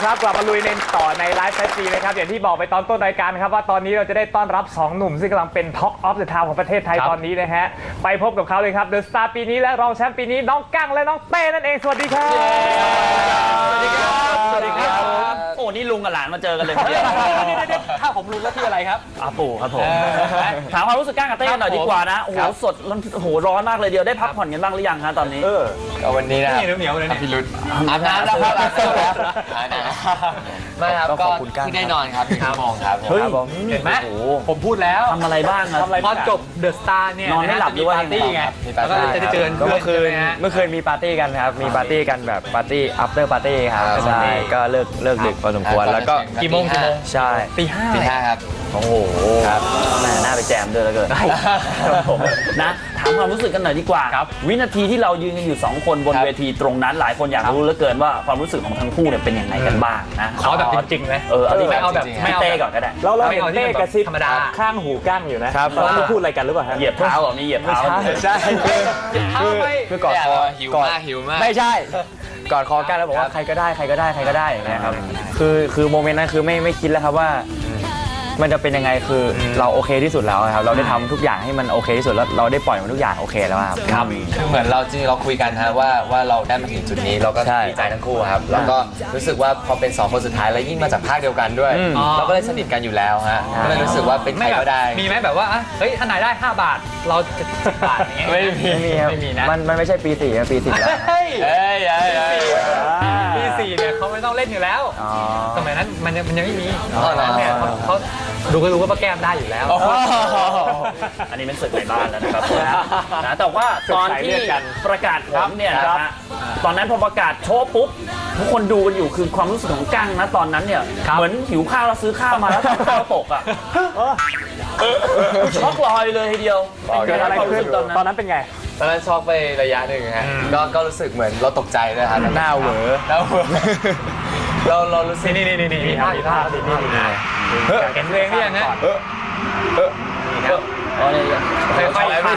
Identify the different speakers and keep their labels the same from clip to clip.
Speaker 1: ครับกลับมาลุยในต่อในไลฟ์แฟชั่นนะครับอย่างที่บอกไปตอนต้นรายการครับว่าตอนนี้เราจะได้ต้อนรับ2หนุ่มซึ่งกำลังเป็น Talk of the Town ของประเทศไทยตอนนี้นะฮะไปพบกับเขาเลยครับเดอะสตาร์ปีนี้และรองแชมป์ปีนี้น้องกั้งและน้องเต้นั่นเองสวัสดีครับ
Speaker 2: สวัสดีครับสวัสดีครับโอ้นี่ลุงกับหลานมาเจอกันเลย
Speaker 1: ถ้าผมรู้แล้วที่อะไรครับ
Speaker 2: อาปู่ครับผมถามความรู้สึกกั้งกับเต้กันหน่อยดีกว่านะโอ้โหสดโอ้โหร้อนมากเลยเดียวได้พักผ่อนกันบ้างหรือยังฮะตอนนี้
Speaker 3: วันนี้นะ
Speaker 1: เหนียวเลย
Speaker 3: พี่รุธ
Speaker 2: อาบน้ำแล้วครับ
Speaker 3: ไม่ครับก็ที่ได้นอนครับ1 ชั่วโมงครับ
Speaker 1: เห็นไหมผมพูดแล้ว
Speaker 2: ทำอะไรบ้างครับ
Speaker 1: พอจบเดอะสตาร์เนี่ย
Speaker 2: นอนไม่หลับด้วย
Speaker 1: ปาร์ตี้ไงแล้วก็จะได้เจอ
Speaker 4: เมื่อคืนมีปาร์ตี้กันครับมีปาร์ตี้กันแบบปาร์ตี้ after party ครับใช่ก็เลิกดึกพอสมควรแล้วก็
Speaker 1: กี่โมง
Speaker 4: ใช่
Speaker 1: ตีห้า
Speaker 3: ครับ
Speaker 4: โอ้โห
Speaker 2: ครับแม่น่าไปแจมด้วยแล้วเกินผมนะถามความรู้สึกกันหน่อยดีกว่าวินาทีที่เรายืนกันอยู่2คนบนเวทีตรงนั้นหลายคนอยากรู้เหลือเกินว่าความรู้สึกของทั้งคู่เนี่ยเป็นยังไงกันบ้างนะ
Speaker 1: ขอแบบจริงๆเลย
Speaker 2: ไม่เอาแบบไม่เต้ก่อนก็ได้
Speaker 1: เราเห็นเต้กระซิบธรรมดาข้างหูกั้งอยู่นะครับตอนนี้พูดอะไรกันหรือเปล่า
Speaker 2: เหยียบเท้ามีเหยียบเท้า
Speaker 4: ใช่คือกอดคอ
Speaker 3: หิวมาก
Speaker 4: ไม่ใช่กอดคอกันแล้วบอกว่าใครก็ได้นะครับคือโมเมนต์นั้นคือไม่คิดแล้วครับว่ามันจะเป็นยังไงคือเราโอเคที่สุดแล้วครับเราได้ทำทุกอย่างให้มันโอเคที่สุดแล้วเราได้ปล่อยมันทุกอย่างโอเคแล้วครับ
Speaker 3: คือเหมือนเราจริงเราคุยกันฮะว่าเราได้มาถึงจุดนี้เราก็ดีใจทั้งคู่ครับแล้วก็รู้สึกว่าพอเป็น2คนสุดท้ายแล้วยิ่งมาจากภาคเดียวกันด้วยเราก็เลยสนิทกันอยู่แล้วฮะก็เลยรู้สึกว่าเป็นใครก็ได้
Speaker 1: มีไหมแบบว่าเฮ้ยถ้านายได้5 บาทเราจะ10 บาทอย่างเงี้ย
Speaker 4: ไม่มีนะมันไม่ใช่ปี4นะปี10แล้ว
Speaker 1: ปี4เนี่ยเขาไม่ต้องเล่นอยู่แล้วสมัยนั้นมันยังไม่มีเขาดูก็รู้ว่าป้าแก้มได้อยู่แล้ว
Speaker 2: อันนี้เป็นศึกในบ้านแล้วนะครับนะแต่ว่าตอนที่ประกาศผลเนี่ยนะฮะตอนนั้นพอประกาศโชว์ปุ๊บทุกคนดูกันอยู่คือความรู้สึกของกั้งนะตอนนั้นเนี่ยเหมือนหิวข้าวแล้วซื้อข้าวมาแล้วข้าวตกอ่ะช็อกลอยเลยทีเดียว
Speaker 1: เกิดอะไรขึ้นตอนนั้นเป็นไง
Speaker 3: ตอนนั้นช็อกไประยะหนึ่งฮะก็รู้สึกเหมือนเราตกใจเลยครับ
Speaker 4: หน้าเหวอ
Speaker 3: เรารู้สึก
Speaker 1: นี่ท่าเห็นเพลงหรือยังฮะค่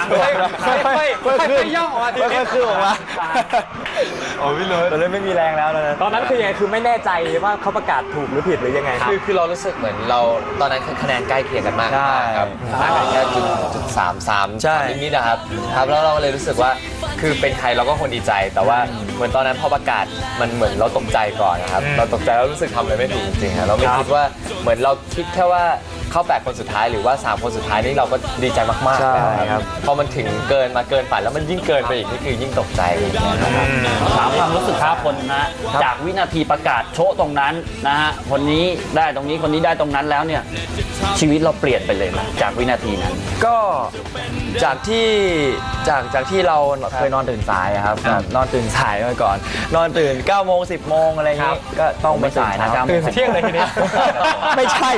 Speaker 1: อยย่องออกมา
Speaker 4: ค่อยๆออกมา
Speaker 3: โอ้พี่รุธ
Speaker 4: ตอนนั้นไม่มีแรงแล้ว
Speaker 1: ตอนนั้นคือยังไงคือไม่แน่ใจว่าเขาประกาศถูกหรือผิดหรือยังไง
Speaker 3: คือเรารู้สึกเหมือนเราตอนนั้นคะแนนใกล้เคียงกันมากครับห่างกันแค่0.33
Speaker 4: ใช่
Speaker 3: นิดๆนะครับแล้วเราเลยรู้สึกว่าคือเป็นใครเราก็คนดีใจแต่ว่าเหมือนตอนนั้นพอประกาศมันเหมือนเราตกใจก่อนนะครับเราตกใจแล้วรู้สึกทำอะไรไม่ถูกจริงๆเราไม่คิดว่าเหมือนเราคิดแค่ว่าเข้า8 คนสุดท้ายหรือว่า3 คนสุดท้ายนี่เราก็ดีใจมากๆนะครับพอมันถึงเกินฝันแล้วมันยิ่งเกินไปอีกนี่คือยิ่งตกใจ
Speaker 2: ถามความรู้สึกครับคนนะจากวินาทีประกาศโชว์ตรงนั้นนะฮะคนนี้ได้ตรงนี้คนนี้ได้ตรงนั้นแล้วเนี่ยชีวิตเราเปลี่ยนไปเลยไหมจากวินาทีนั้น
Speaker 4: ก็จากที่เราเคยนอนตื่นสายครับนอนตื่นสายมาก่อนนอนตื่น9 โมง 10 โมงอะไรอย่างงี้ก็ต้องไม่สายนะ
Speaker 1: ตื่นเที่ยงเลยทีนี้
Speaker 4: ไม่ใช่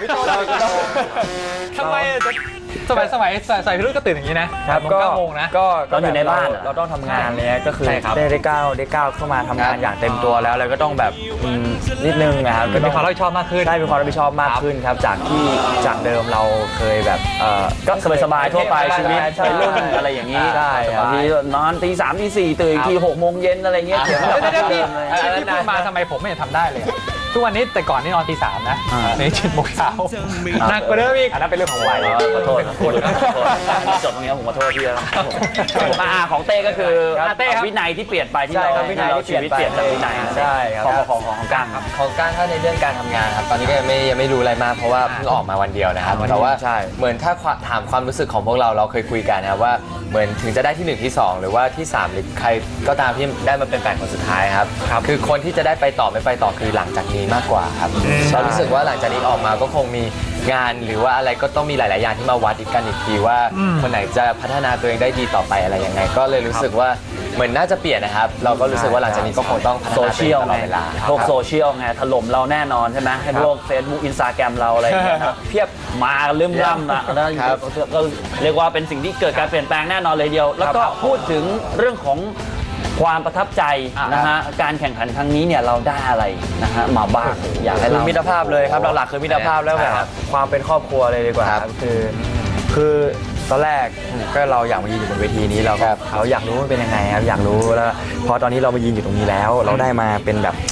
Speaker 1: ทำไมสมัยพี่รุ่นก็ตื่นอย่างนี้นะครับ9 โมงนะ
Speaker 4: ก็ตอนอยู่ในบ้านเราต้องทำงานเลยก็คือได้ก้าวเข้ามาทำงานอย่างเต็มตัวแล้วก็ต้องแบบนิดนึงนะครับ
Speaker 1: ก็มีความรับผิดชอบมากขึ้น
Speaker 4: ได้มีความรับผิดชอบมากขึ้นครับจากเดิมเราเคยแบบ
Speaker 2: ก็สบายๆทั่วไปชีวิตวัยรุ่นอะไรอย่างนี้บางทีนอนตี 3 ตี 4ตื่นอีกที6 โมงเย็นอะไรเงี้ยเถียงกัน
Speaker 1: ที่พูดมาทำไมผมไม่ทำได้เลยทุกวันนี้แต่ก่อนนี่นอนตี 3นะใน7 โมงเช้าหนักกว่าเดิมอีกอันนั้นเป็นเรื่องของวัย
Speaker 2: ขอโทษจบตรงนี้ผมขอโทษพี่แล้วมาของเต้ก็คือวินัยที่เปลี่ยนไปที่เราชีวิตเปลี่ยนจากวินัย
Speaker 4: ใช่
Speaker 2: ของกั้งครับ
Speaker 3: ของกั้งถ้าในเรื่องการทำงานครับตอนนี้ก็ยังไม่รู้อะไรมากเพราะว่าเพิ่งออกมาวันเดียวนะครับแต่ว่าเหมือนถ้าถามความรู้สึกของพวกเราเคยคุยกันนะครับว่าเหมือนถึงจะได้ที่1ที่2หรือว่าที่3หรือใครก็ตามที่ได้มาเป็น8 คนสุดท้ายครับคือคนที่จะได้ไปต่อไม่ไปต่อคือหลังจากนี้มากกว่าครับเรารู้สึกว่าหลังจากนี้ออกมาก็คงมีงานหรือว่าอะไรก็ต้องมีหลายๆอย่างที่มาวัดกันอีกทีว่าคนไหนจะพัฒนาตัวเองได้ดีต่อไปอะไรยังไงก็เลยรู้สึกว่าเหมือนน่าจะเปลี่ยนนะครับเราก็รู้สึกว่าหลังจากนี้ก็คงต้องพัฒนาตัวเองตลอดเวลา
Speaker 2: โลกโซเชียลไงถล่มเราแน่นอนใช่ไหมให้พวก Facebook Instagram เราอะไรอย่างเงี้ยเพียบมาลืมล่ำนะก็เรียกว่าเป็นสิ่งที่เกิดการเปลี่ยนแปลงแน่นอนเลยเดียวแล้วก็พูดถึงเรื่องของความประทับใจนะฮะการแข่งขันครั้งนี้เนี่ยเราได้อะไรนะฮะมาบ้างอยากให้เรา
Speaker 4: มิตรภาพเลยครับหลักๆคือมิตรภาพแล้วแบบความเป็นครอบครัวเลยดีกว่าคือตอนแรกก็เราอยากมายืนอยู่บนเวทีนี้เราก็อยากรู้มันเป็นยังไงครับอยากรู้แล้วพอตอนนี้เรามายืนอยู่ตรงนี้แล้วเราได้มาเป็นแบบ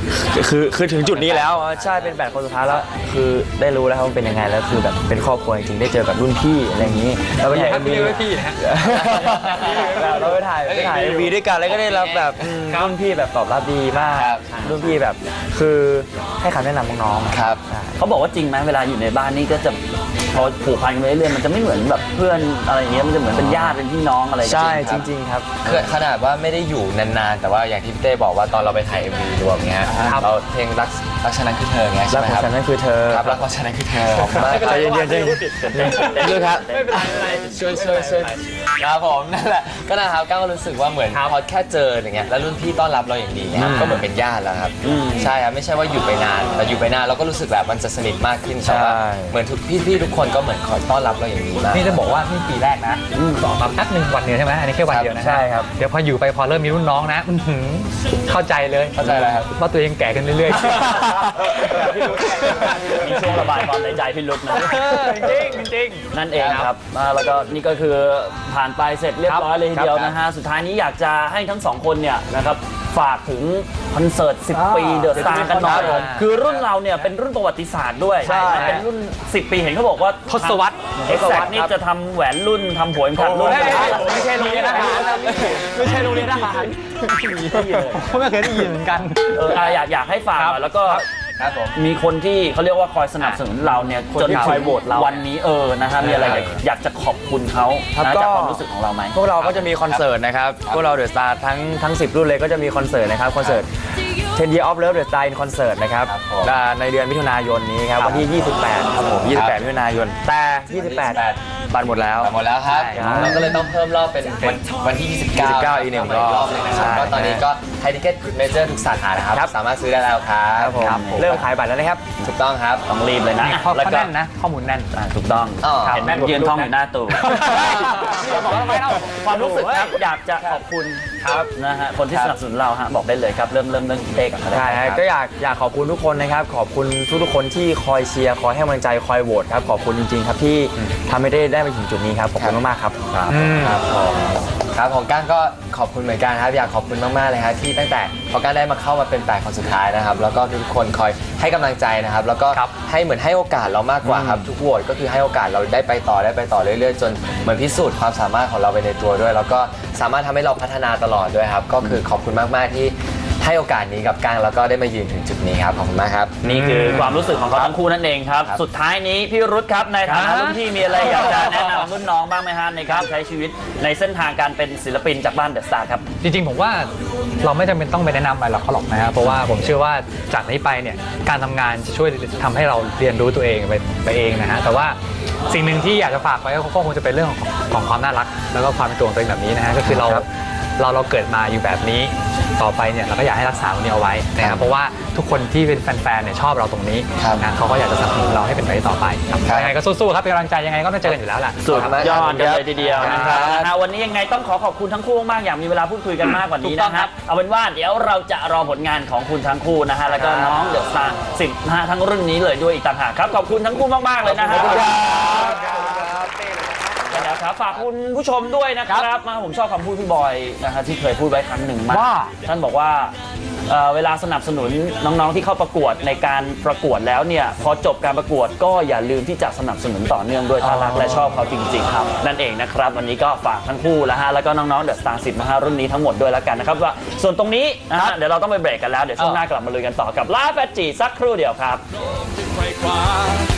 Speaker 4: คือถึงจุดนี้แล้วใช่เป็น8คนสุดท้ายแล้วคือได้รู้แล้วครับว่าเป็นยังไงแล้วคือแบบเป็นครอบครัวจริงๆได้เจอแบบรุ่นพี่อะไรอย่างนี้เราไปถ่าย MV
Speaker 1: พี่นะฮะ
Speaker 4: เราไปถ่ายMVด้วยกันแล้วก็ได้รับแบบรุ่นพี่แบบตอบรับดีมาก
Speaker 3: ครับ
Speaker 4: รุ่นพี่แบบคือให้คำแนะนำน้องๆ
Speaker 3: ครับ
Speaker 2: เขาบอกว่าจริงไหมเวลาอยู่ในบ้านนี่ก็จะพอผูกพันกันไปเรื่อยๆมันจะไม่เหมือนแบบเพื่อนอะไรอย่างเงี้ยมันจะเหมือนเป็นญาติเป็นพี่น้องอะไรกัน
Speaker 4: ใช่
Speaker 2: จ
Speaker 4: จ
Speaker 2: ริง
Speaker 4: ริงๆครับ
Speaker 3: คือขนาดว่าไม่ได้อยู่นานๆ แต่ว่าอย่างที่พี่เต้บอกว่าตอนเราไปถ่าย MV รวมเงี้ยเราเพลงรักฉันนั้นคือเธอเงี้ย
Speaker 4: รั
Speaker 3: ใช่
Speaker 4: ก
Speaker 3: ไหม
Speaker 4: ของ
Speaker 3: ครับ
Speaker 4: ฉันนั่นคือเธอ
Speaker 3: ครับรักของฉันนั้นคือเธอขอบคุณมาก
Speaker 4: ใจเย็นๆใจเย็น
Speaker 3: ด้วยครับ
Speaker 1: ไม่เป็นไรไม่เป็นไร
Speaker 3: ช่วยครับผมนั่นแหละก็นะครับก้าวก็รู้สึกว่าเหมือนพอแค่เจออย่างเงี้ยแล้วรุ่นพี่ต้อนรับเราอย่างดีนะครับก็เหมือนเป็นญาติแล้วครับใช่ครับไม่ใช่ว่าอยู่ไปนานแต่อยู่ไปนานเราก็รู้สึกแบบมันจะสนิทมากขึ้นแต่ว่าเหมือนทุกพี่ๆทุกคนก็เหมือนคอยต้อนรับเราอย่างดีมาก
Speaker 1: นี่จะบอกว่านี่ปีแรกนะสองมาแป๊บหนึ่งวันเดียวใช่ไหมอันนี้แค่วันเดียวนะฮะ
Speaker 4: ใช่ครับ
Speaker 1: เดี๋ยวพออยู่ไปพอเริ่มมีรุ่นน้องนะอื้อหือเข้าใจเลย
Speaker 3: เข้าใจอะไรครับ
Speaker 1: ว่าตัวเองแก่ขึ้นเรื่อยๆ
Speaker 2: มีช่วงระบายความในใจพี่ลุกนะ
Speaker 1: จริง
Speaker 2: นั่นเองครับแล้วก็นี่ก็คือผ่านไปเสร็จเรียบร้อยเลยทีเดียวนะฮะ สุดท้ายนี้อยากจะให้ทั้งสองคนเนี่ยนะครับฝากถึงคอนเสิร์ต 10 ปีเดอะสตาร์กันหน่อย
Speaker 1: ครับผม
Speaker 2: คือรุ่นเราเนี่ยเป็นรุ่นประวัติศาสตร์ด้วย
Speaker 1: ใช่
Speaker 2: นะเป็นรุ่น 10 ปีเห็นเขาบอกว่า
Speaker 1: ทศวรรษ
Speaker 2: เอ็กซ์แซกนี่จะทำแหวนรุ่นทำหัวเข็มขัดรุ่น
Speaker 1: ไม่ใช่โรงเรียนทหารไม่ใช่โรงเรียนทหารผมไม่เคยได้ยินเหมือนกัน
Speaker 2: อยากให้ฝากหน่อยแล้วก็
Speaker 3: ครับผม
Speaker 2: มีคนที่เขาเรียกว่าคอยสนับสนุนเราเนี่ย
Speaker 4: คน
Speaker 2: จน
Speaker 4: ที่คอยโหวตเรา
Speaker 2: วันนี้นะฮะมีอะไรอยากจะขอบคุณเขา
Speaker 4: ครับ
Speaker 2: นะ
Speaker 4: ก็
Speaker 2: จากความรู้สึกของเราไหม
Speaker 4: พวกเราก็จะมีคอนเสิร์ตนะครับ พวกเราเดอะสตาร์ทั้ง 10 รุ่นเลยก็จะมีคอนเสิร์ตนะครับ คอนเสิร์ต 10 Year of Love The Star in Concert นะครับ
Speaker 3: ครับผม
Speaker 4: ในเดือนมิถุนายนนี้ครับ วันที่ 28 ครับผม 28 มิถุนายน แต่ 28 บัตรหมดแล้ว
Speaker 3: หมดแล้วครับ
Speaker 4: ใช่ครับ
Speaker 3: เราก็เลยต้องเพิ่มรอบเป็นวันที่ 29
Speaker 4: 29อีกหนึ่งรอบ
Speaker 3: รอบเลยนะค
Speaker 4: ใช่
Speaker 3: รับก็ตอนนี้ก็ไทยทิเก็ตเมเจอร์ทุกสาขานะครับ
Speaker 4: ครับ
Speaker 3: สามารถซื้อได้แล้วครับ
Speaker 4: ครับผมเริ่มขายบัตรแล้วนะครับ
Speaker 3: ถูกต้องครับ
Speaker 2: ต้องรีบเลยนะ
Speaker 1: ข้อ
Speaker 2: แล้วก็
Speaker 1: แน่นนะ ข้อมูลแน่น
Speaker 2: ถูกต้อง
Speaker 3: อ๋อ
Speaker 2: เห็นยืนท่องอยู่หน้าตู้
Speaker 1: บอกทำไมเล่า
Speaker 2: ความรู้สึกครับอยากจะขอบคุณครับนะฮะคนที่สนับสนุนเราฮะบอกได้เลยครับเริ่มเต้กันก็ได้
Speaker 4: ใช่ครับก็อยากขอบคุณทุกคนนะครับ ขอบคุณทุกคนที่คอยเชียร์คอยให้กำลังใจคอยโหวตครับขอบคุณจริงๆครับที่ทำให้ได้มาถึงจุดนี้ครับขอบคุณมากๆครับ
Speaker 3: ครับผมครับของก้านก็ขอบคุณเหมือนกันครับอยากขอบคุณมากๆเลยครับที่ตั้งแต่พอก้านได้มาเข้ามาเป็น8คนสุดท้ายนะครับแล้วก็ทุกคนคอยให้กำลังใจนะครับแล้วก็ให้เหมือนให้โอกาสเรามากกว่าครับทุกโหวตก็คือให้โอกาสเราได้ไปต่อเรื่อยๆจนเหมือนพิสูจน์ความสามารถของเราไปในตัวด้วย แล้วก็สามารถทำให้เราพัฒนาตลอดด้วยครับก็คือขอบคุณมากๆที่ให้โอกาสนี้กับก้างแล้วก็ได้มายืนถึงจุดนี้ครับขอบคุณมากครับ
Speaker 2: นี่คือความรู้สึกของเขาทั้งคู่นั่นเองครับ สุดท้ายนี้พี่รุธครับในฐานะรุ่นพี่มีอะไรอยากจะแนะนำรุ่นน้องบ้างไหมฮะในการใช้ชีวิตในเส้นทางการเป็นศิลปินจากบ้านเดอะสตาร์ครับ
Speaker 1: จริงๆผมว่าเราไม่จำเป็นต้องไปแนะนำอะไรหรอกเขาหรอกนะครับเพราะว่าผมเชื่อว่าจากนี้ไปเนี่ยการทำงานจะช่วยทำให้เราเรียนรู้ตัวเองไปเองนะฮะแต่ว่าสิ่งหนึ่งที่อยากจะฝากไว้ก็คงจะเป็นเรื่องของความน่ารักแล้วก็ความเป็นตัวของตัวเองแบบนี้นะฮะก็คือเราเกิดมาอยู่แบบนี้ต่อไปเนี่ยเราก็อยากให้รักษาตรงนี้เอาไว้นะครับเพราะว่าทุกคนที่เป็นแฟนๆเนี่ยชอบเราตรงนี้
Speaker 3: ครับ
Speaker 1: นะเขาก็อยากจะสนับสนุนเราให้เป็นไปต่อไปครับ
Speaker 3: ครับ
Speaker 1: ยังไงก็สู้ๆครับเป็นกำลังใจยังไงก็ต้องเจอกันอยู่แล้วแหละ
Speaker 2: สุดยอดกันเลยทีเดียวนะค
Speaker 3: ครั
Speaker 2: รับบ นะฮะวันนี้ยังไงต้องขอบคุณทั้งคู่มากๆอยากมีเวลาพูดคุยกันมากกว่านี้นะครับเอาเป็นว่าเดี๋ยวเราจะรอผลงานของคุณทั้งคู่นะฮะแล้วก็น้องเดอะสตาร์10นะฮะทั้งรุ่นนี้เลยด้วยอีกต่างหากครับขอบคุณทั้งคู่มากๆเลยนะฮะครับฝากคุณผู้ชมด้วยนะครับมาผมชอบคำพูดพี่บอยนะฮะที่เคยพูดไว้ครั้งหนึ่งมากท่านบอกว่าเวลาสนับสนุนน้องๆที่เข้าประกวดในการประกวดแล้วเนี่ยพอจบการประกวดก็อย่าลืมที่จะสนับสนุนต่อเนื่องด้วยถ้ารักและชอบเขาจริงๆครับนั่นเองนะครับวันนี้ก็ฝากทั้งคู่แล้วฮะแล้วก็น้องๆเดอะสตาร์10นะฮะรุ่นนี้ทั้งหมดด้วยแล้วกันนะครับว่าส่วนตรงนี้นะฮะเดี๋ยวเราต้องไปเบรกกันแล้วเดี๋ยวช่วงหน้ากลับมาลุยกันต่อกับลาแฟจีสักครู่เดียวครับ